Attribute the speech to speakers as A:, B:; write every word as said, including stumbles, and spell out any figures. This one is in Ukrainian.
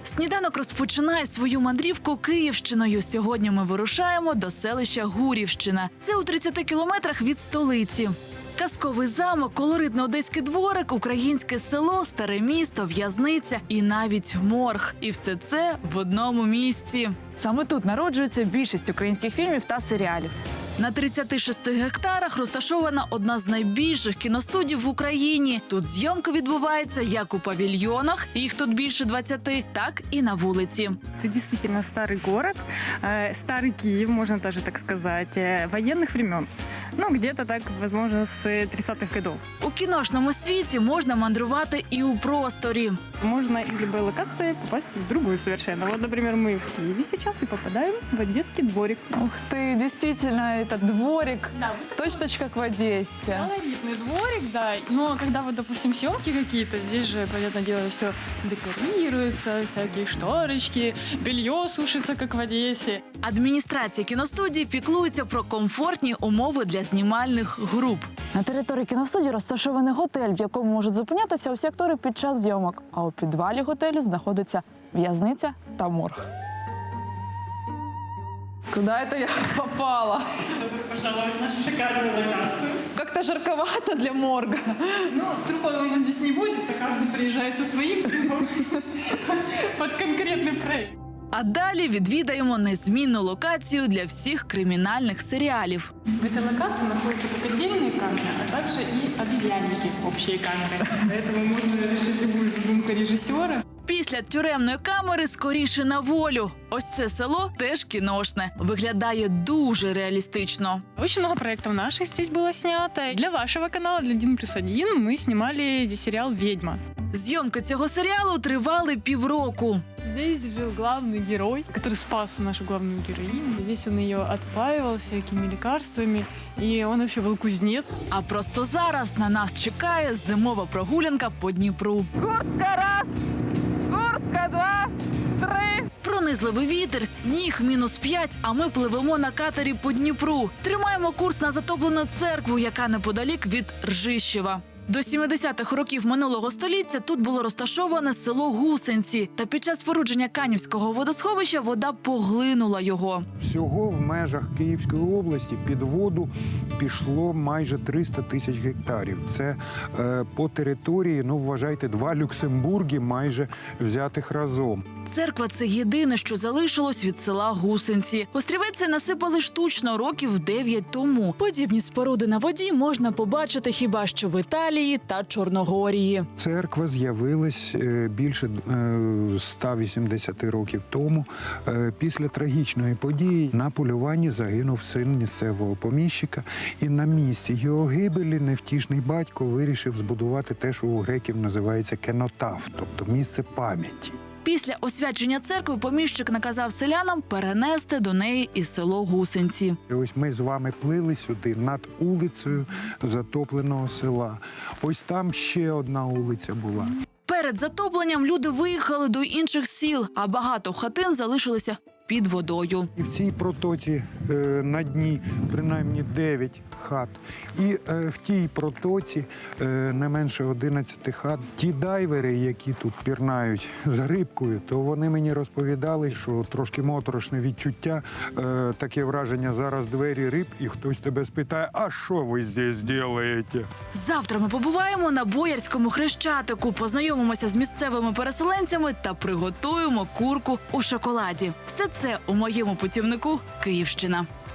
A: Сніданок розпочинає свою мандрівку Київщиною. Сьогодні ми вирушаємо до селища Гурівщина. Це у тридцяти кілометрах від столиці. Казковий замок, колоритний одеський дворик, українське село, старе місто, в'язниця і навіть морг. І все це в одному місці.
B: Саме тут народжується більшість українських фільмів та серіалів.
A: На тридцяти шести гектарах розташована одна з найбільших кіностудій в Україні. Тут зйомка відбувається як у павільйонах, їх тут більше двадцяти, так і на вулиці.
C: Это действительно старый город, э, старый Киев, можно даже так сказать, э, военных времен. Ну, где-то так, возможно, с тридцатых годов.
A: У кіношному світі можна мандрувати і у просторі.
C: Можно из любой локации попасть в другую совершенно. Вот, например, мы в Киеве сейчас и попадаем в Одесский дворик.
B: Ух ты, действительно, это дворик,
C: Да,
B: точно как в Одессе.
C: колоритный дворик, да. Но когда вот, допустим, съемки какие-то, здесь же, понятное дело, все декорируется, всякие шторочки, белье сушится, как в Одессе.
A: Адміністрація кіностудії піклується про комфортні умови для знімальних груп.
B: На території кіностудії розташований готель, в якому можуть зупинятися усі актори під час зйомок. А у підвалі готелю знаходиться в'язниця та морг. Куда это я попала?
C: Добро пожаловать в нашу шикарную локацию.
B: Как-то жарковато для морга.
C: Ну, трупов у нас здесь не будет, а каждый приезжает со своим трупом под конкретный проект.
A: А далі відвідаємо незмінну локацію для всіх кримінальних серіалів.
C: В этой локации находятся как отдельные камеры, а также и обезьянники, общие камеры. Поэтому можно решить любую задумку режиссера.
A: Після тюремної камери скоріше на волю. Ось це село теж кіношне. Виглядає дуже реалістично.
C: Очень много проектов наших здесь было снято. Для вашего канала, для один плюс один, мы снимали здесь сериал «Ведьма».
A: Зйомки цього серіалу тривали півроку.
C: Здесь жил главный герой, который спас нашу главную героиню. Здесь он ее отпаивал всякими лекарствами, и он вообще был кузнец.
A: А просто зараз на нас чекає зимова прогулянка по Дніпру.
B: Куртка раз, куртка два, три.
A: Пронизливий вітер, сніг, мінус п'ять, а ми пливемо на катері по Дніпру. Тримаємо курс на затоплену церкву, яка неподалік від Ржищева. До сімдесятих років минулого століття тут було розташоване село Гусенці. Та під час спорудження Канівського водосховища вода поглинула його.
D: Всього в межах Київської області під воду пішло майже триста тисяч гектарів. Це е, по території, ну вважайте, два Люксембурги майже взятих разом.
A: Церква – це єдине, що залишилось від села Гусенці. Острівець цей насипали штучно років дев'ять тому. Подібні споруди на воді можна побачити хіба що в Італії та Чорногорії.
D: Церква з'явилась е, більше е, ста вісімдесяти років тому. Е, після трагічної події на полюванні загинув син місцевого поміщика. І на місці його гибелі невтішний батько вирішив збудувати те, що у греків називається кенотаф, тобто місце пам'яті.
A: Після освячення церкви поміщик наказав селянам перенести до неї і село Гусенці.
D: І ось ми з вами плили сюди над вулицею затопленого села. Ось там ще одна вулиця була.
A: Перед затопленням люди виїхали до інших сіл, а багато хатин залишилися під водою.
D: І в цій протоці е, на дні принаймні дев'ять хат. І е, в тій протоці е, не менше одинадцяти хат. Ті дайвери, які тут пірнають з рибкою, то вони мені розповідали, що трошки моторошне відчуття, е, таке враження, зараз двері риб, і хтось тебе спитає, а що ви здесь робите?
A: Завтра ми побуваємо на Боярському Хрещатику, познайомимося з місцевими переселенцями та приготуємо курку у шоколаді. Все це у моєму путівнику «Київщина».